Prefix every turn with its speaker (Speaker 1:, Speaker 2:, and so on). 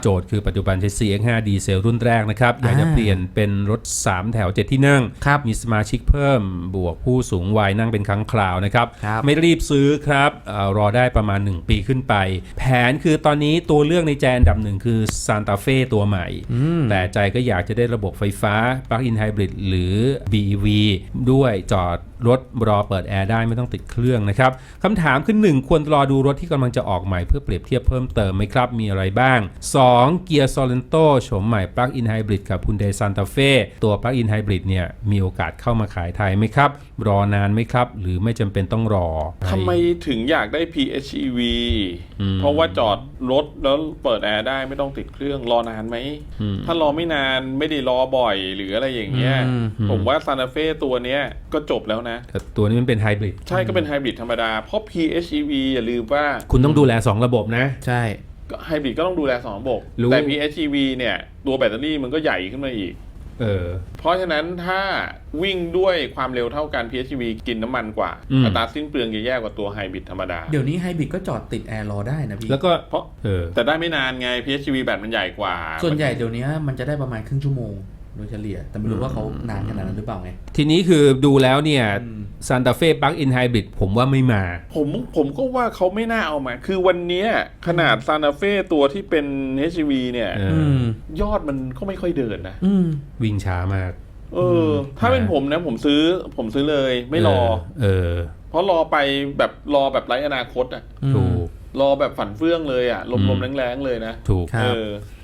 Speaker 1: โจทย์คือปัจจุบันใช้ CX5 ดีเซลรุ่นแรกนะครับอยากจะเปลี่ยนเป็นรถ3แถว7ที่นั่งมีสมาชิกเพิ่มบวกผู้สูงวัยนั่งเป็นครั้งคราวนะครับไม่รีบซื้อครับรอได้ประมาณ1ปีขึ้นไปแผนคือตอนนี้ตัวเลือกในใจอันดับหนึ่งคือ Santa Fe ตัวใหม่แต่ใจก็อยากจะได้ระบบไฟฟ้า Plug-in Hybrid หรือ BEV ด้วยจอดรถรอเปิดแอร์ได้ไม่ต้องติดเครื่องนะครับคำถามคือ1ควรรอดูรถที่กำลังจะออกใหม่เพื่อเปรียบเทียบเพิ่มเติมไหมครับมีอะไรบ้าง2 Kia Sorento โฉมใหม่ Plug-in Hybrid กับ Hyundai Santa Fe ตัว Plug-in Hybrid เนี่ยมีโอกาสเข้ามาขายไทยไหมครับรอนานไหมครับหรือไม่จำเป็นต้องรอ
Speaker 2: ทำไมถึงอยากได้ PHEV เพราะว่าจอดรถแล้วเปิดแอร์ได้ไม่ต้องติดเครื่องรอนานไหมถ้ารอไม่นานไม่ได้รอบ่อยหรืออะไรอย่างเงี้ยผมว่า Santa Fe ตัวเนี้ยก็จบแล้วนะ
Speaker 1: แต่ตัวนี้มันเป็นไฮบริด
Speaker 2: ใช่ก็เป็นไฮบริดธรรมดาเพราะ PHEV อย่าลืมว่า
Speaker 1: คุณต้องดูแล2ระบบนะ
Speaker 3: ใช่
Speaker 2: ไฮบริดก็ต้องดูแล2ระบบแต่ PHEV เนี่ยตัวแบตเตอรี่มันก็ใหญ่ขึ้นมาอีกเพราะฉะนั้นถ้าวิ่งด้วยความเร็วเท่ากัน PHEV กินน้ำมันกว่าอัตราสิ้นเปลืองจะแย่กว่าตัวไฮบริดธรรมดา
Speaker 3: เดี๋ยวนี้ไฮบริดก็จอดติดแอร์รอได้นะพี่
Speaker 1: แล้วก็
Speaker 2: เพราะแต่ได้ไม่นานไง PHEV แบตมันใหญ่กว่า
Speaker 3: ส่วนใหญ่เดี๋ยวนี้มันจะได้ประมาณครึ่งชั่วโมงโดยเฉลี่ยแต่ไม่รู้ว่าเขานานขนาดนั้นหรือเปล่าไง
Speaker 1: ทีนี้คือดูแล้วเนี่ย Santa Fe Plug-in Hybrid ผมว่าไม่มา
Speaker 2: ผมก็ว่าเขาไม่น่าเอามาคือวันนี้ขนาด Santa Fe ตัวที่เป็น HEV เนี่ยยอดมันก็ไม่ค่อยเดินนะ
Speaker 1: วิ่งช้ามาก
Speaker 2: ถ้าเป็นผมนะผมซื้อเลยไม่รอเพราะรอไปแบบไร้อนาคตอ่ะ
Speaker 1: ถูก
Speaker 2: รอแบบฝันเฟื่องเลยอ่ะลมๆแรงๆเลยนะ
Speaker 1: ถูก